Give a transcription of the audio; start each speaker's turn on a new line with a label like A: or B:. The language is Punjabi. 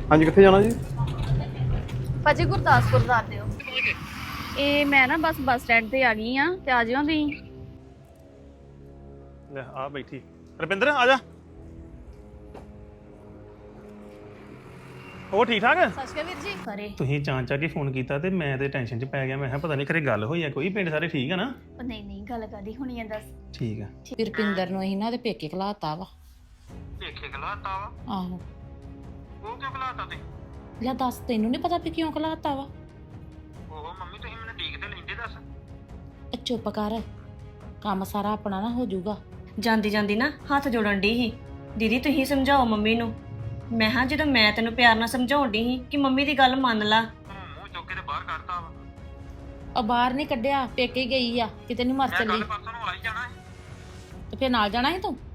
A: ਹਾਂਜੀ ਕਿੱਥੇ ਜਾਣਾ ਜੀ?
B: ਭਾਜੀ ਗੁਰਦਾਸਪੁਰ ਦਾ ਦਿਓ। ਇਹ ਮੈਂ ਨਾ ਬੱਸ ਸਟੈਂਡ ਤੇ ਆ ਗਈ ਆ ਤੇ ਆ ਜਿਓ ਤੁਸੀਂ।
C: ਲੈ ਆ ਬੈਠੀ ਰੁਪਿੰਦਰ ਆ ਜਾ। ਹੋਰ ਠੀਕ ਠਾਕ?
B: ਸਤਿ ਸ਼੍ਰੀ ਅਕਾਲ ਵੀਰ ਜੀ। ਸਾਰੇ
C: ਤੁਸੀਂ ਚਾਂਚਾ ਕੇ ਫੋਨ ਕੀਤਾ ਤੇ ਮੈਂ ਤੇ ਟੈਨਸ਼ਨ 'ਚ ਪੈ ਗਿਆ। ਮੈਂ ਕਿਹਾ ਪਤਾ ਨਹੀਂ ਘਰੇ ਗੱਲ ਹੋਈ ਆ ਕੋਈ। ਪਿੰਡ ਸਾਰੇ ਠੀਕ ਆ ਨਾ?
B: ਨਹੀਂ ਗੱਲ ਕਾਦੀ ਹੋਣੀ ਆ ਦੱਸ।
C: ਠੀਕ ਆ।
D: ਰੁਪਿੰਦਰ ਨੂੰ ਅਸੀਂ ਨਾ ਉਹਦੇ ਪੇਕੇ ਘਲਾਤਾ ਵਾ।
C: ਪੇਕੇ ਘਲਾਤਾ ਵਾ?
D: ਆਹੋ।
C: ਉਹ ਕਿਉਂ ਘਲਾਤਾ ਤੇ?
D: ਲੈ ਦੱਸ, ਤੈਨੂੰ ਨਹੀਂ ਪਤਾ ਵੀ ਕਿਉਂ ਘਲਾਤਾ ਵਾ?
C: ਉਹ ਮੰਮੀ ਤੁਸੀਂ ਮੈਨੂੰ ਠੀਕ ਤੇ ਲੈਂਦੇ ਦੱਸ।
D: ਚੁੱਪ ਕਰ, ਕੰਮ ਸਾਰਾ ਆਪਣਾ ਨਾ ਹੋ ਜਾਊਗਾ।
E: ਜਾਂਦੀ ਜਾਂਦੀ ਨਾ ਹੱਥ ਜੋੜਨ ਡਈ ਸੀ, ਦੀਦੀ ਤੁਸੀਂ ਸਮਝਾਓ ਮੰਮੀ ਨੂੰ। ਮੈਂ ਹਾਂ ਜਦੋਂ ਮੈਂ ਤੈਨੂੰ ਪਿਆਰ ਨਾਲ ਸਮਝਾਉਣ ਡਈ ਸੀ ਕਿ ਮੰਮੀ ਦੀ ਗੱਲ ਮੰਨ ਲਾ।
C: ਮੂੰਹ ਚੁੱਕ ਕੇ ਤੇ ਬਾਹਰ ਕੱਢਤਾ ਵਾ।
D: ਆ ਬਾਹਰ ਨਹੀਂ ਕੱਢਿਆ, ਪੇਕੇ ਗਈ ਆ, ਕਿਤੇ ਨਹੀਂ ਮਰ ਚੱਲੀ।
C: ਪਰਸੋਂ ਨੂੰ ਆ ਹੀ ਜਾਣਾ ਹੈ।
D: ਤੇ ਫੇਰ ਨਾਲ ਜਾਣਾ ਸੀ ਤੂੰ?